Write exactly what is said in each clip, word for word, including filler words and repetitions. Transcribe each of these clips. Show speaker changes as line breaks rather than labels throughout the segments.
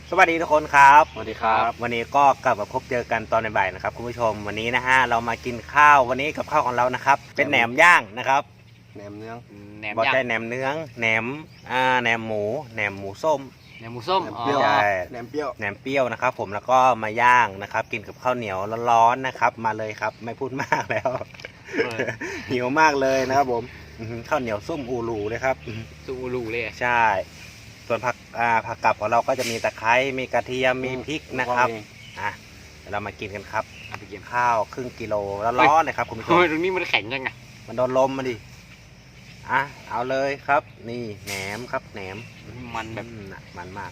สวัสดีทุกคนครับ
สวัสดีครับ
วันนี้ก็กลับมาพบเจอกันตอนบ่ายๆนะครับคุณผู้ชมวันนี้นะฮะเรามากินข้าววันนี้กับข้าวของเรานะครับเป็นแหนมย่างนะครับ
แหนมเนื้อ
แหนมย่างแหนมเนื้อแหนมอ่าแหนมหมูแหนมหมูส้ม
แหนมหมูส้ม
เปรี้ยวแหนมเปรี้ยว
แหนมเปรี้ยวนะครับผมแล้วก็มาย่างนะครับกินกับข้าวเหนียวร้อนๆนะครับมาเลยครับไม่พูดมากแล้วหิวมากเลยนะครับผมข้าวเหนียวส้มอูรูเลยครับ
ส้มอูรูเลย
ใช่ส่วนผักอ่าผักกับของเราก็จะมีตะไคร้มีกระเทียมมีพริกนะครับอ่ะเรามากินกันครับไปกินข้าวครึ่งกิโลแล้วร้อนเลยครับคุณผู้ชม
ตรงนี้มันแข็งยังไง
มันโดนลมมาดิอ่ะเอาเลยครับนี่แหนมครับแหนม
มันแบบ
มันมาก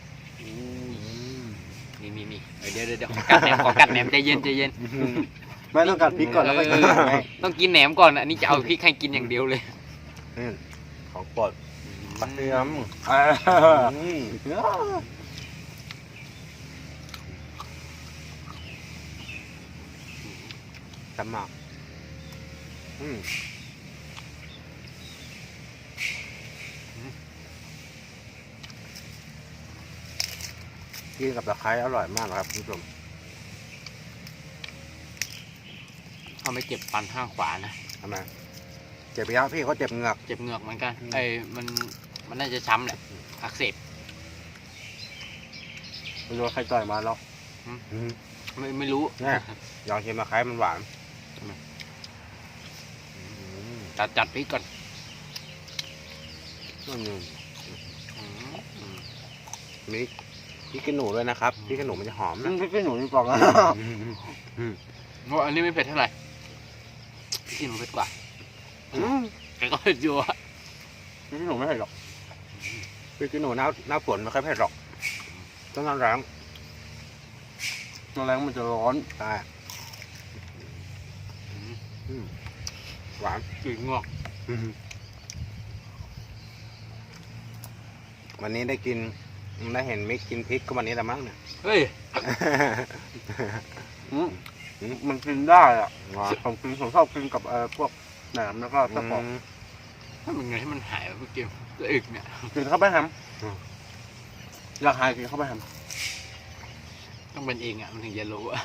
นี่นี่นี่เดี๋ยวเดี๋ยวกัดแหนมขอกัดแหนมใจเย็นใจเย็น
ไม่ต้องกัดพริกก่อนแล้วก็กิน
ต้องกินแหนมก่อนอันนี้จะเอาพริกให้กินอย่างเดียวเลย
ของโปรดกระเทียมจำมากกินกับตะไคร้อร่อยมากครับคุณผู้ชม
เขาไม่เจ็บฟันข้างขวานะ
ทำไมเจ็บไปแล้วพี่เขาเจ็บเหงือก
เจ็บเหงือกเหมือนกันไอ้มันมันน่าจะช้ำแหละอักเสบ
ไม่รู้ใครต่อยมาหรอก
ไม่ไม่รู้
ลองชิมตะไคร้มันหวาน
จัดจัดพริกก่อน
มีพริกขี้หนูด้วยนะครับพริกขี้หนูมันจะหอมนะ
พริกขี้หนูนี่กล่องอ่ะ
เพราะอันนี้ไม่เผ็ดเท่าไหร่พริกขี้หนูเผ็ดกว่าแต่ก็เผ็ดอยู่อะ
พริกขี้หนูไม่เผ็ดหรอก
พริกขี้หนูหน้าหน้าฝนไม่ค่อยเผ็ดหรอกต้องน้ำแรง
น้ำแรงมันจะร้อน
ใช่หวาน
กลิ่นงอก
วันนี้ได้กินได้เห็นมิกกินพริกก็วันนี้ละมั้งเนี่ย
เฮ้ย
มันกินได้อ่ะผมกินผมชอบกินกับเอ่อพวกแหนมแล้วก็ตะปอง
ถ้ามันไงให้มันหายเมื่อกี้จะอึกเนี่ย
กินเข้าไปทำอยากหายกินเข้าไปท
ำต้องเป็นเองอ่ะมันถึงจะรู้อ่ะ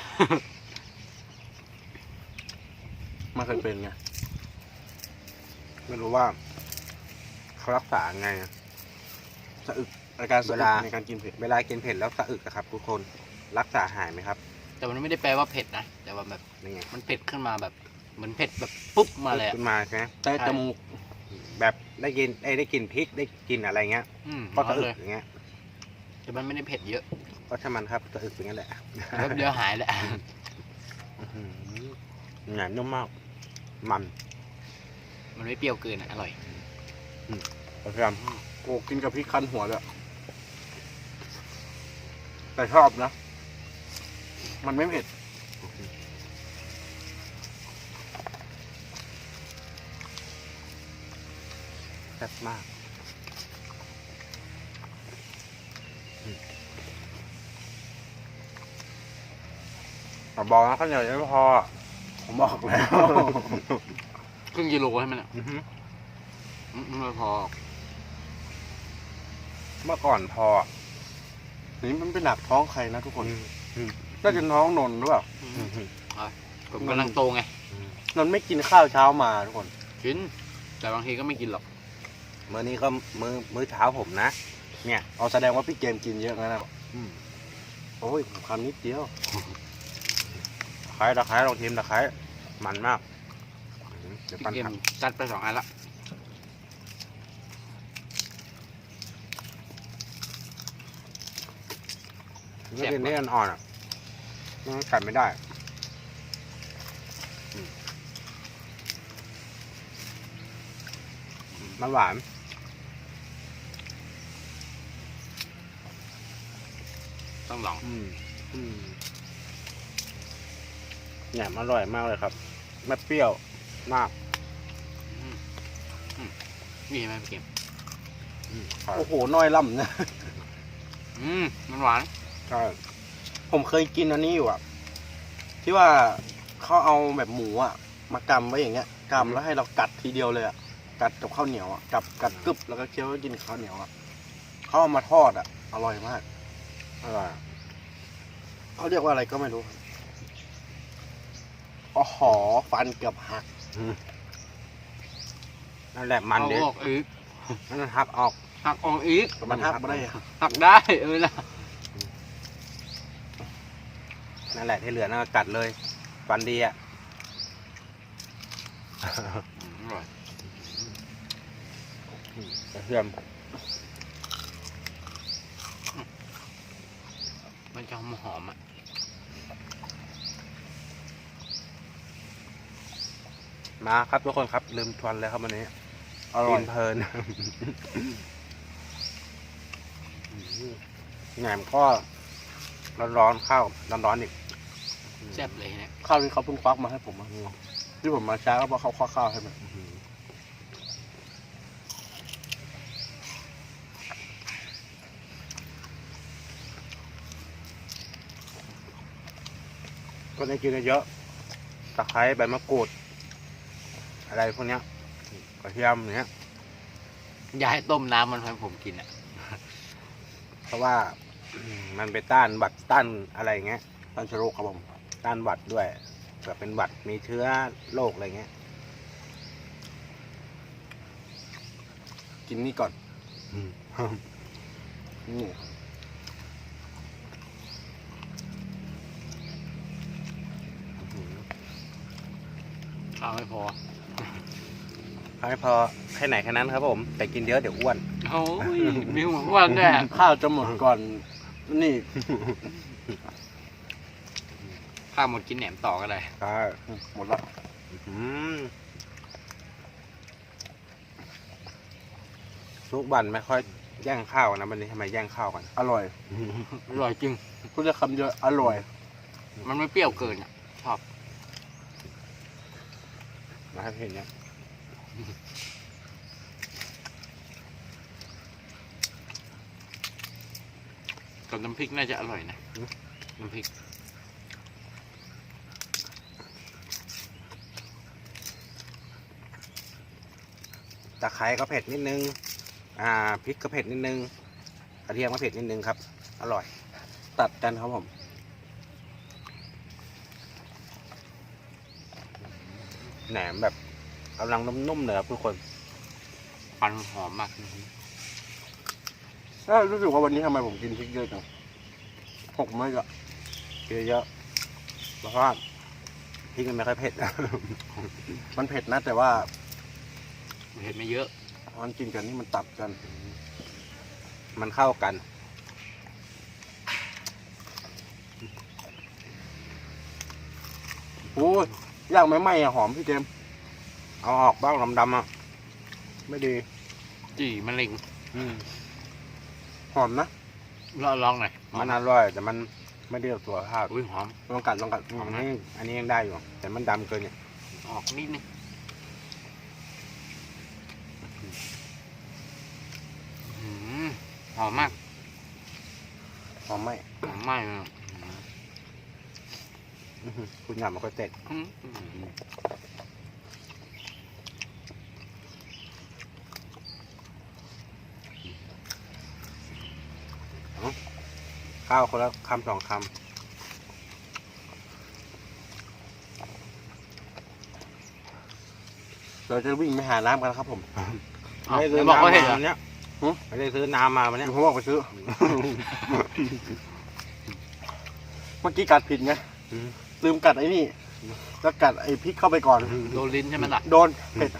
มันเคยเป็นไง
ไม่รู้ว่าเขารักษาไง
สะอึกอาการเวลาในการกินเผ็ด
เวลากินเผ็ดแล้วสะอึกครับทุกคนรักษาหายไหมครับ
แต่มันไม่ได้แปลว่าเผ็ดนะแต่ว่าแบบมันเผ็ดขึ้นมาแบบเหมือนเผ็ดแบบปุ๊บมาเลย
ขึ้นมาใช่ไหม
แต่จมูก
แบบได้กินได้กินพริกได้กินอะไรเงี้ยก็สะอึกอย่างเงี้ย
แต่มันไม่ได้เผ็ดเยอะ
ก็ถ้ามันครับสะอึกอย่างนั้นแหละ
แล้วเดี๋ยวหายแหละ
หนานุ่มมากมัน
มันไม่เปรี้ยวเกินอร่อย
กระเทียม
โอ้กินกับพริกคั้นหัวเลยแต่ชอบนะมันไม่เผ็ด
แซ่บมากบอกนะข้าวเหนียวยังไม่พอ
ผมบอกแล้ว
ครึ่งกิโลให้มันอ่ะไม่พอ
เมื่อก่อนพอ
นี่มันเป็นหนักท้องใครนะทุกคนน่าจะท้องนนหรือเปล่า
ผมกำลังโตไง
นนไม่กินข้าวเช้ามาทุกคน
กินแต่บางทีก็ไม่กินหรอก
มื้อนี้ก็มื้อมื้อเช้าผมนะเนี่ย
เอาแสดงว่าพี่เกมกินเยอะงั้นนะโอ้ยคำนิดเดียว
ตะไคร้ตะไคร้ลองชิมตะไคร้มันมาก
เดี๋ยวปั้นครับจัดไปสองอันละ
นี่กินนี่อ่อนๆอ่ะมันกัดไม่ได้มันหวาน
ต้องลอง
เนี่ยอร่อยมากเลยครับไม่เปรี้ยวมาก
นี่ไหมพี่เกม
โอ้โหน้อยล่ำนะ
อืมมันหวาน
ใช่
ผมเคยกินอันนี้อยู่อ่ะที่ว่าเขาเอาแบบหมูอ่ะมากำไว้อย่างเงี้ยกำแล้วให้เรากัดทีเดียวเลยอ่ะกัดกับข้าวเหนียวอ่ะกับกัดกึบแล้วก็เคี้ยวกินข้าวเหนียวอ่ะเขาเอามาทอดอ่ะอร่อยมาก
อร่อย
เขาเรียกว่าอะไรก็ไม่รู้อ๋อหอฟันเกือบหัก
นั่นแหละมัน
เอา
เด็ด
ออกอีก
นั่นหักออก
หักออกอีก
มันหักไม่ได้อะ
หักได้เออนะ
นั่นแหละที่เหลือนั่นก็กัดเลยฟันดีอ่ะ
อร่อย
กระเทียม
มันจะหอมหอมๆอ่ะ
มาครับทุกคนครับลืมทวนเลยครับวันนี้
อร่อย
กินเพลิน แหนมก็ร้อนๆข้าวร้อนๆอีก
แซ่บเลยเนี่ย
ข้าวที่เขาเพิ่งควักมาให้ผมอะที่ผมมาช้าก็เพราะเขาควักข้าวให้มัน
ก็ได้กินเยอะตะไคร้ใบมะกรูด อะไรพวกเนี้ยกระเทียมอย่างเนี้ย
อย่าให้ต้มน้ำมันให้ผมกินอ่ะ
เพราะว่าอืมมันไปต้านหวัดต้านอะไรอย่างเงี้ย
ตันชโรคครับผม
ต้านหวัดด้วยเผื่อเป็นหวัดมีเชื้อโรคอะไรเงี้ย
กินนี่ก่อน
อืม
นี่
ข้าวไม่พอ
เอาให้พอแค่ไหนแค่นั้นครับผม แต่กินเยอะเดี๋ยวอ้วน
โอ้ยมีหัวอ้วนด้วย
ข้าวจะหมดก่อนนี่
ข้าวหมดกินแหนมต่อก็ได้
ใช่
หมดละ
อืมทุกวันไม่ค่อยแย่งข้าวนะวันนี้ทำไมแย่งข้าวกัน
อร่อย
อร่อยจริง
พูดจะคำเดียวอร่อย
มันไม่เปรี้ยวเกินอ่ะชอบ
มาให้เห็นเนี่ย
กับน้ำพริกน่าจะอร่อยนะน้ำพริก
ตะไคร้ก็เผ็ดนิดนึง อ่าพริกก็เผ็ดนิดนึงกระเทียมก็เผ็ดนิดนึงครับ อร่อย
ตัดกันครับผม
แหนมแบบกำลังนุ่มๆเลยครับทุกคน
ฟันหอมมาก
แล้วรู้สึกว่าวันนี้ทำไมผมกินพริกเยอะจังหกไม่ละ
เยอะๆเพราะว่าพริกมันไม่ค่อยเผ็ด
มันเผ็ดนะแต่ว่า
เห็ดไม่เยอะ
มันกินกันนี่มันตัดกัน
มันเข้ากัน
โอ้ยย่างไม่ไหม้อะหอมพี่เจมส์
เอาออกบ้างดำๆอ่ะ ไม่ดี
จี่มะเร็ง
อืม
หอมนะ
ลองลองหน่อย
มันอร่อย แต่มันไม่ได้ตัวภาพ
อุ้ยหอม
ลองกัดลองกัด
อันนี้อันนี้ยังได้อยู่ แต่มันดำเกินเนี่ย
ออกนิดนึงอื้อหือหอมมาก
หอมไหม
หอมมากเลย
อื้อหือคุณหยาบมันก็เต็ด
อื้อหือ
ข้าวคนละคำสองค
เราจะวิ่งไปหาน้ำกันครับผม
ำ
อ้าว
ไม่ได้ซื้อ
บอกว่า
น้ำ
เห็ด
มา
เหรอ
วันเนี้ย
หึ
ไม่ได้ซื้อน้ำมาวันเนี้ย
ผมบอกไปซื้อ เมื่อกี้กัดผิดไง
อืม
ลืมกัดไอ้นี่ แล้วกัดไอ้พริกเข้าไปก่อน
โดนลิ้นใช่ไหมล่ะ
โดนเผ็ด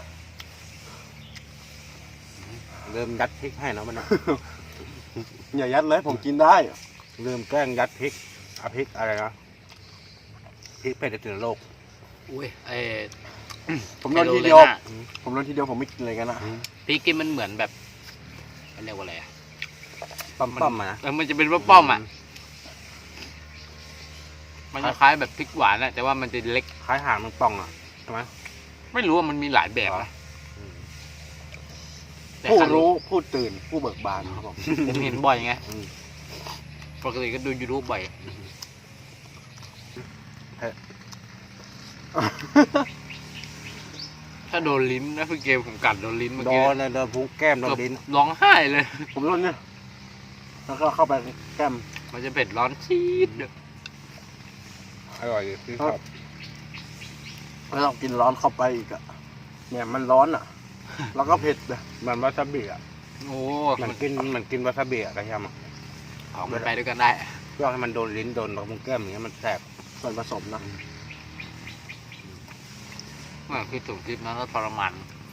เริ่มยัดพริกให้เนาะมันย
อย่ายัดเลยผมกินได้
ลืมแกล้งยัดพริกเอาพริกอะไรนะพริกเผ็ดถึงโลก
อุ้ยไอ้
ผมโดนทีเดียว
ไฮโลเลน่า
ผมโดนทีเดียวผมไม่กินเลยกันนะ
พริกกินมันเหมือนแบบมันเรียกว่าอะไรอะ
ปั๊มปั๊มๆมานะ
เออมันจะเป็นป้อมๆอ่ะ มันคล้ายๆแบบพริกหวานอะแต่ว่ามันจะเล็ก
คล้ายหางแมันป่องอ่ะใช่ไหม
ไม่รู้ว่ามันมีหลายแบบนะ
อืม
แต่
ผู้
ครั้ง
รู้ผู้ตื่นผู้เบิกบานครับผม
ผมเห็นบ่อยไง
อืม
ปกติก็ดูยูทูบบ่อยถ้าโดนลิ้นนะพี่เกมผมกัดโดนลิ้นเมื่อ
โด
กี้
นเลยโดนพุงแก้มโดนลิ้น
ร้องไห้เลย
ผมโดนเนี่ยแล้วก็เข้าไปแก้ม
มันจะเผ็ดร้อนชีด
อร่อยที่ชอบ
แล้วเรากินร้อนเข้าไปอีกอะเนี่ยมันร้อนอะแล้วก็เผ็ดอะ
มันวาซาบิอ่ะ
โอ้
มั
มัน น
กินมันกินวาซาบิอ่ะกระเทียมอ่ะ
ออกมันไปด้วยกันได้
เพื่อให้มันโดนลิ้นโดนตรงแก้มอย่างเงี้ยมันแสบ
ส่วนผสมนะ
เมื่อคือถูกคลิปนั้นก็ทรมาน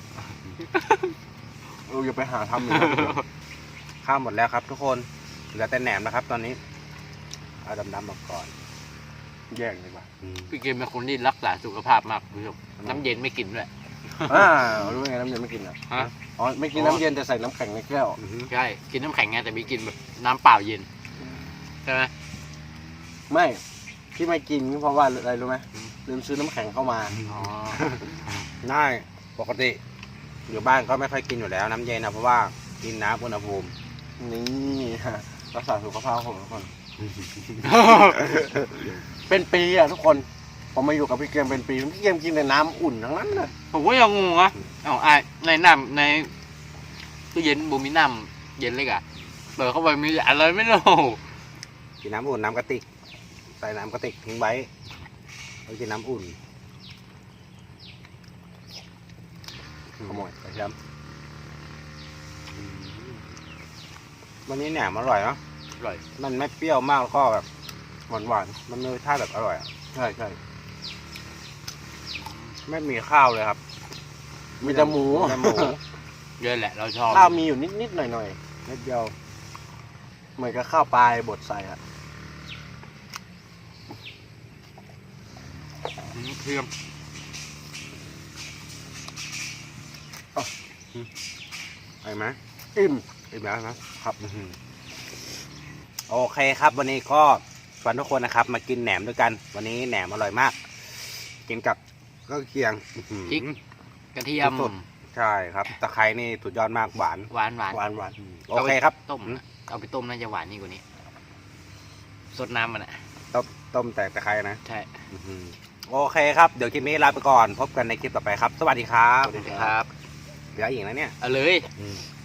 เราอย่าไปหาทำอีกนะ
ข้าวหมดแล้วครับ ทุกคนเหลือแต่แหนมนะครับ ตอนนี้เอาดำๆมาก่อน
แย่งดีกว่า
อืม
พี่เกมเป็นคนที่รักษาสุขภาพมากคุณผู้ชมน้ำเย็นไม่กินด้วย
อ่ารู้ไงน้ำเย็นไม่กินอ่ะ
ฮะ
อ๋อไม่กินน้ำเย็นแต่ใส่น้ำแข็งในแก้ว
อือฮึ
ใช่กินน้ำแข็งไงแต่มีกินแบบน้ำเปล่าเย็นใช่ไหม
ไม่ที่ไม่กินก็เพราะว่าอะไรรู้ไหม
อืม
ลืมซื้อน้ำแข็งเข้ามา
อ๋อ
ง่ายปกติอยู่บ้านก็ไม่ค่อยกินอยู่แล้วน้ำเย็นนะเพราะว่ากินน้ำอุณหภูมิ
นี่ฮะรักษาสุขภาพของทุกคน เป็นปีอ่ะทุกคนผมมาอยู่กับพี่เกมเป็นปีพี่เกมกินแต่น้ำอุ่นทั้งนั้นเลย
ผมก็ยังงงอ่ะเอาไอ้ในน้ำในตู้เย็นบูมีน้ำเย็นเลยอ่ะเปิดเข้าไปมีอะไรไม่รู้
กินน้ำอุ่นน้ำกระติกใส่น้ำกระติกทิ้งไว้แล้วกินน้ำอุ่น
ขโมย
กระเทียมอืมวันนี้แหนมอร่อยเนาะ
อร่อย
มันไม่เปรี้ยวมากแล้วก็แบบ
หวานหวาน
มันมีรสชาติแบบอร่อยอะ
ๆใช่ใช่
ไม่มีข้าวเลยครับ
มีแต่หมู
มีแต่หมู
เยอะแหละเราชอบ
ข้าวมีอยู่นิดนิดๆหน่อยหน่อย
นิดเดียว
ๆเหมือนกับข้าวปลายบดใส่อ่ะ
อืมเทียม
ไปไหม
อิ่ม
อิ่มแล้วนะครับอื้อหือโอเคครับ วันนี้ก็ชวนทุกคนนะครับ มากินแหนมด้วยกัน วันนี้แหนมอร่อยมาก กินกับก็เคียงอื้อหือ
พริกกระเทียม
สุด ใช่ครับตะไคร้นี่สุดยอดมากหวาน
หวานหวาน
หวานหวาน
โอเคครับ
ต้มนะเอาไปต้มน่าจะหวานนี่กว่านี้สดน้ำมันอ่ะ
ต้มต้มแต่ตะไคร้นะ
ใช่
อื้อหือโอเคครับ เดี๋ยวคลิปนี้ลาไปก่อน พบกันในคลิปต่อไปครับ สวัสดีครับ
สวัสดีครับ
เหลืออีกนะเนี่ย
เอาเลย
อืม